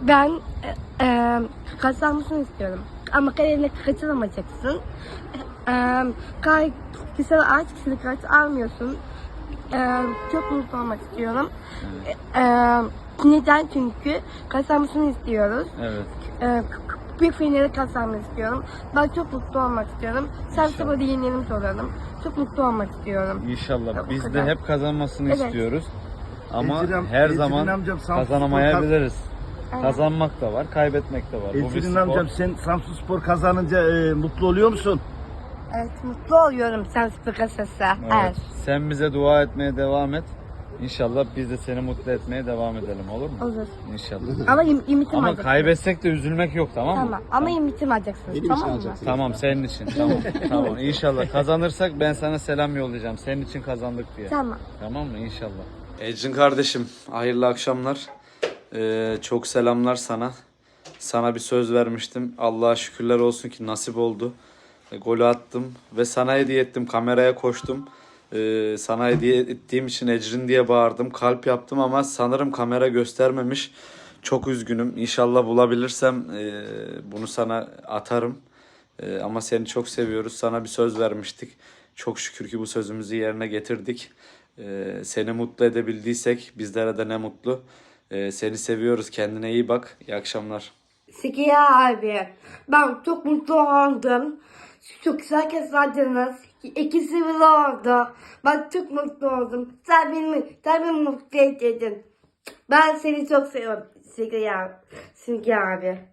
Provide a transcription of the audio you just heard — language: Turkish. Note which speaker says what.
Speaker 1: Ben kazanmasını istiyorum. Ama kariyerine kaçıramayacaksın. Kişisel aç, kişilik aç almıyorsun. Çok mutlu olmak istiyorum. Neden? Çünkü kazanmasını istiyoruz.
Speaker 2: Evet.
Speaker 1: Bir finali kazanmak istiyorum. Ben çok mutlu olmak istiyorum. Sen
Speaker 2: İnşallah.
Speaker 1: sabah yeğenlerim soralım. Çok mutlu olmak istiyorum.
Speaker 2: İnşallah. Biz de
Speaker 1: kadar.
Speaker 2: hep kazanmasını
Speaker 1: Evet.
Speaker 2: istiyoruz. Ama
Speaker 3: Ecrin
Speaker 2: her
Speaker 3: Ecrin
Speaker 2: zaman
Speaker 3: amcam Samsun
Speaker 2: kazanamayabiliriz.
Speaker 1: Aynen.
Speaker 2: Kazanmak da var, kaybetmek de var. Bu bir
Speaker 3: Ecrin
Speaker 2: spor.
Speaker 3: amcam sen Samsunspor kazanınca mutlu oluyor musun?
Speaker 1: Evet, mutlu oluyorum sen spor kasası.
Speaker 2: Evet. Sen bize dua etmeye devam et. İnşallah biz de seni mutlu etmeye devam edelim, olur mu?
Speaker 1: Olur.
Speaker 2: İnşallah.
Speaker 1: Ama imitim
Speaker 2: Ama
Speaker 1: alacaksın.
Speaker 2: kaybetsek de üzülmek yok, tamam mı?
Speaker 1: Tamam. Ama imitim alacaksın. Tamam mı?
Speaker 2: Tamam, senin için. Tamam. Tamam. İnşallah kazanırsak ben sana selam yollayacağım. Senin için kazandık diye.
Speaker 1: Tamam.
Speaker 2: Tamam mı? İnşallah. Ecrin kardeşim, hayırlı akşamlar. Çok selamlar sana. Sana bir söz vermiştim. Allah'a şükürler olsun ki nasip oldu. Golü attım ve sana hediye ettim. Kameraya koştum. Sana hediye ettiğim için Ecrin diye bağırdım. Kalp yaptım ama sanırım kamera göstermemiş. Çok üzgünüm. İnşallah bulabilirsem bunu sana atarım. Ama seni çok seviyoruz. Sana bir söz vermiştik. Çok şükür ki bu sözümüzü yerine getirdik. Seni mutlu edebildiysek bizlere de ne mutlu. Seni seviyoruz. Kendine iyi bak. İyi akşamlar.
Speaker 1: Sikiya abi. Ben çok mutlu oldum. Çok güzel kazandınız. İkisi bir oldu. Ben çok mutlu oldum. Sen beni mutlu ettin. Ben seni çok seviyorum Sikiya abi.